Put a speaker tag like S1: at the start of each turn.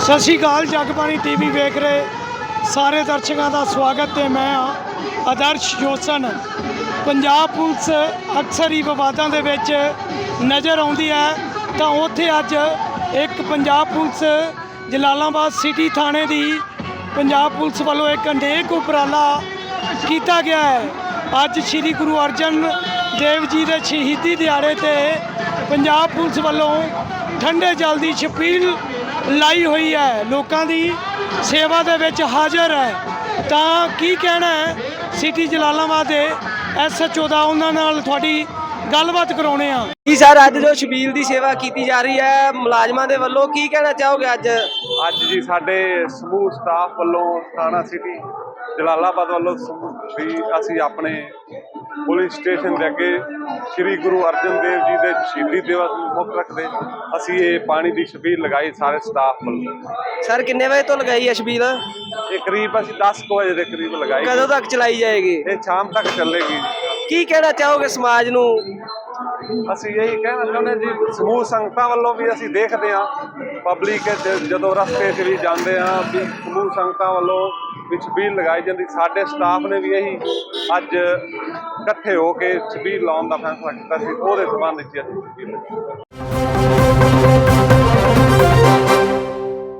S1: ਸਤਿ ਸ਼੍ਰੀ ਅਕਾਲ। ਜਗਬਾਣੀ ਟੀਵੀ ਵੇਖ ਰਹੇ ਸਾਰੇ ਦਰਸ਼ਕਾਂ ਦਾ ਸਵਾਗਤ ਹੈ। ਮੈਂ ਹਾਂ ਆਦਰਸ਼ ਜੋਸਨ। ਪੰਜਾਬ ਪੁਲਿਸ ਅਕਸਰ ਹੀ ਵਿਵਾਦਾਂ ਦੇ ਵਿੱਚ ਨਜ਼ਰ ਆਉਂਦੀ ਹੈ, ਤਾਂ ਉੱਥੇ ਅੱਜ ਇੱਕ ਪੰਜਾਬ ਪੁਲਿਸ ਜਲਾਲਾਬਾਦ ਸਿਟੀ ਥਾਣੇ ਦੀ ਪੰਜਾਬ ਪੁਲਿਸ ਵੱਲੋਂ ਇੱਕ ਅਨੇਕ ਉਪਰਾਲਾ ਕੀਤਾ ਗਿਆ ਹੈ। ਅੱਜ ਸ਼੍ਰੀ ਗੁਰੂ ਅਰਜਨ ਦੇਵ ਜੀ ਦੇ ਸ਼ਹੀਦੀ ਦਿਹਾੜੇ 'ਤੇ ਪੰਜਾਬ ਪੁਲਿਸ ਵੱਲੋਂ ਠੰਡੇ ਜਲ ਦੀ ਛਬੀਲ ਲਾਈ ਹੋਈ ਹੈ, ਲੋਕਾਂ ਦੀ ਸੇਵਾ ਦੇ ਵਿੱਚ ਹਾਜ਼ਰ ਹੈ। ਤਾਂ ਕੀ ਕਹਿਣਾ ਹੈ ਸਿਟੀ ਜਲਾਲਾਬਾਦ ਦੇ SHO ਦਾ, ਉਹਨਾਂ ਨਾਲ ਤੁਹਾਡੀ ਗੱਲਬਾਤ ਕਰਾਉਣੇ ਆ।
S2: ਜੀ ਸਰ, ਅੱਜ ਜੋ ਛਬੀਲ ਦੀ ਸੇਵਾ ਕੀਤੀ ਜਾ ਰਹੀ ਹੈ ਮੁਲਾਜ਼ਮਾਂ ਦੇ ਵੱਲੋਂ, ਕੀ ਕਹਿਣਾ ਚਾਹੋਗੇ? ਅੱਜ
S3: ਜੀ ਸਾਡੇ ਸਮੂਹ ਸਟਾਫ ਵੱਲੋਂ ਥਾਣਾ ਸਿਟੀ ਜਲਾਲਾਬਾਦ ਵੱਲੋਂ ਵੀ ਅਸੀਂ ਆਪਣੇ ਪੁਲਿਸ ਸਟੇਸ਼ਨ ਦੇ ਅੱਗੇ ਸ਼੍ਰੀ ਗੁਰੂ ਅਰਜਨ ਦੇਵ ਜੀ ਦੇ ਸ਼ਹੀਦੀ ਦਿਵਸ ਨੂੰ ਮੁੱਖ ਰੱਖਦੇ ਅਸੀਂ ਇਹ ਪਾਣੀ ਦੀ ਛਬੀਲ ਲਗਾਈ ਸਾਰੇ ਸਟਾਫ ਵੱਲੋਂ।
S2: ਸਰ, ਕਿੰਨੇ ਵਜੇ ਤੋਂ ਲਗਾਈ ਹੈ ਛਬੀਲ?
S3: ਇਹ ਕਰੀਬ ਅਸੀਂ 10 ਵਜੇ ਦੇ ਕਰੀਬ ਲਗਾਈ।
S2: ਕਦੋਂ ਤੱਕ ਚਲਾਈ ਜਾਏਗੀ?
S3: ਇਹ ਸ਼ਾਮ ਤੱਕ ਚੱਲੇਗੀ।
S2: ਕੀ ਕਹਿਣਾ ਚਾਹੋਗੇ ਸਮਾਜ ਨੂੰ?
S3: ਅਸੀਂ ਇਹੀ ਕਹਿਣਾ ਚਾਹੁੰਦੇ ਜੀ, ਸਮੂਹ ਸੰਗਤਾਂ ਵੱਲੋਂ ਵੀ ਅਸੀਂ ਦੇਖਦੇ ਹਾਂ ਪਬਲਿਕ ਜਦੋਂ ਰਸਤੇ 'ਚ ਵੀ ਜਾਂਦੇ ਹਾਂ ਵੀ ਸਮੂਹ ਸੰਗਤਾਂ ਵੱਲੋਂ ਵੀ ਛਬੀਲ ਲਗਾਈ ਜਾਂਦੀ। ਸਾਡੇ ਸਟਾਫ ਨੇ ਵੀ ਇਹੀ ਅੱਜ ਇਕੱਠੇ ਹੋ ਕੇ ਛਬੀਲ ਲਾਉਣ ਦਾ ਫੈਸਲਾ ਕੀਤਾ ਸੀ, ਉਹਦੇ ਸੰਬੰਧ ਵਿੱਚ ਅਸੀਂ ਛਬੀਲ